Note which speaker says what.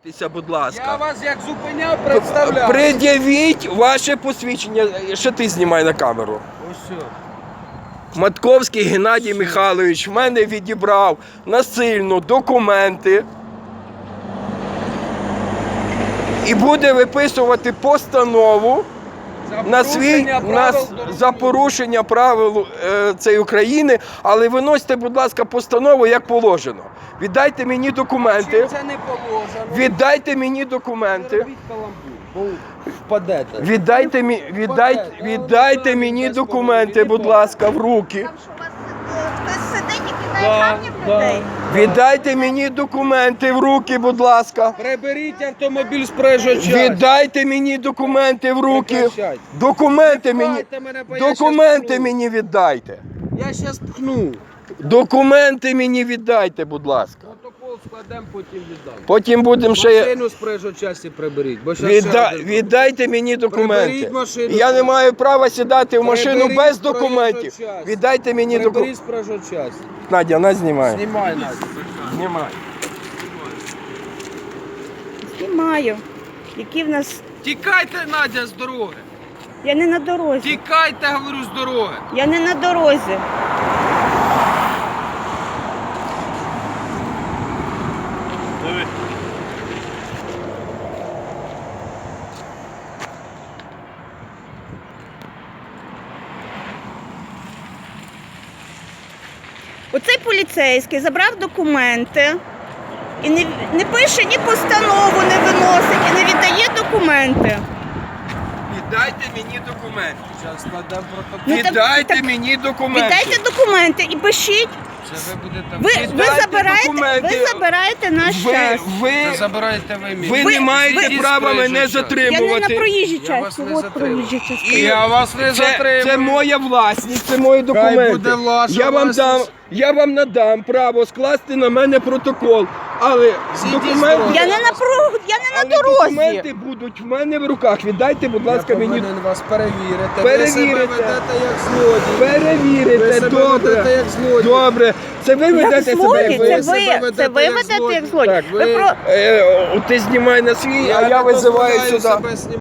Speaker 1: Будь ласка.
Speaker 2: Я вас як зупиняв, представляв.
Speaker 1: Пред'явіть ваше посвідчення. Ще ти знімай на камеру.
Speaker 2: Ось все.
Speaker 1: Матковський Геннадій Михайлович в мене відібрав насильно документи і буде виписувати постанову за порушення правил цієї України, але виносьте, будь ласка, постанову як положено. Віддайте мені документи.
Speaker 2: Чим це не положено?
Speaker 1: Віддайте мені документи.
Speaker 2: Робіть каламбур, бо впадете.
Speaker 1: Віддайте мені документи, будь ласка, в руки.
Speaker 3: Там що у вас хтось сидить і кидає камні в людей?
Speaker 1: Віддайте мені документи в руки, будь ласка.
Speaker 2: Приберіть автомобіль з проїжджої частини.
Speaker 1: Віддайте мені документи в руки.
Speaker 2: Прекращайте.
Speaker 1: Документи мені віддайте.
Speaker 2: Я щас пхну.
Speaker 1: Документи мені віддайте, будь ласка.
Speaker 2: Протокол складемо, потім віддам.
Speaker 1: Потім будемо ще...
Speaker 2: Машину з проїжджої частини приберіть. Бо щас ще один.
Speaker 1: Віддайте мені документи.
Speaker 2: Приберіть машину.
Speaker 1: Я не маю права сідати в машину
Speaker 2: Приберіть
Speaker 1: без
Speaker 2: з проїжджої
Speaker 1: документів.
Speaker 2: частини.
Speaker 1: Віддайте мені
Speaker 2: Приберіть
Speaker 1: документи.
Speaker 2: з проїжджої частини.
Speaker 1: Надя, нас знімає.
Speaker 2: Знімай, Надя.
Speaker 1: Знімай.
Speaker 3: Знімаю. Які в нас...
Speaker 2: Тікайте, Надя, з дороги.
Speaker 3: Я не на дорозі.
Speaker 2: Тікайте, говорю, з дороги.
Speaker 3: Я не на дорозі. Оцей поліцейський забрав документи і не пише ні постанову, не виносить і не віддає документи.
Speaker 1: Віддайте мені документи.
Speaker 2: Зараз складемо протокол.
Speaker 3: Ну, так-
Speaker 1: Віддайте
Speaker 3: так-
Speaker 1: мені документи.
Speaker 3: Віддайте документи і пишіть.
Speaker 2: Це ви будете...
Speaker 3: Ви
Speaker 1: Віддайте документи.
Speaker 3: забираєте наш час.
Speaker 2: Це забираєте ви мій.
Speaker 1: Ви не маєте
Speaker 2: ви-
Speaker 1: права
Speaker 2: ви-
Speaker 1: мене
Speaker 2: Я
Speaker 3: Я не на
Speaker 1: затримувати.
Speaker 3: проїжджій
Speaker 2: Я вас
Speaker 3: часті.
Speaker 2: не
Speaker 3: От
Speaker 2: затримую.
Speaker 3: проїжджа частина.
Speaker 2: Я вас не затримую.
Speaker 1: Це моя власність, це мої документи.
Speaker 2: буде ваша
Speaker 1: Я
Speaker 2: власність.
Speaker 1: вам надам право скласти на мене протокол, але
Speaker 2: Зійдіть з
Speaker 1: документи,
Speaker 2: дороги.
Speaker 3: Я не на
Speaker 1: але
Speaker 3: дорозі.
Speaker 1: документи будуть в мене в руках. Віддайте, будь ласка,
Speaker 2: Я
Speaker 1: мені.
Speaker 2: повинен вас перевірити.
Speaker 1: Перевірите.
Speaker 2: Ви себе ведете як злодій.
Speaker 1: Перевірите,
Speaker 2: Ви себе
Speaker 1: добре.
Speaker 2: ведете як злодій.
Speaker 1: Добре. Це ви ведете
Speaker 3: Як
Speaker 1: себе
Speaker 3: злодій,
Speaker 1: як
Speaker 3: це
Speaker 1: злодій.
Speaker 2: себе
Speaker 3: ви.
Speaker 2: ведете
Speaker 3: Це ви
Speaker 2: як
Speaker 3: ведете
Speaker 2: злодій.
Speaker 3: як злодій.
Speaker 1: Так,
Speaker 3: Ви про...
Speaker 1: Ти знімай на свій, а я визиваю сюди.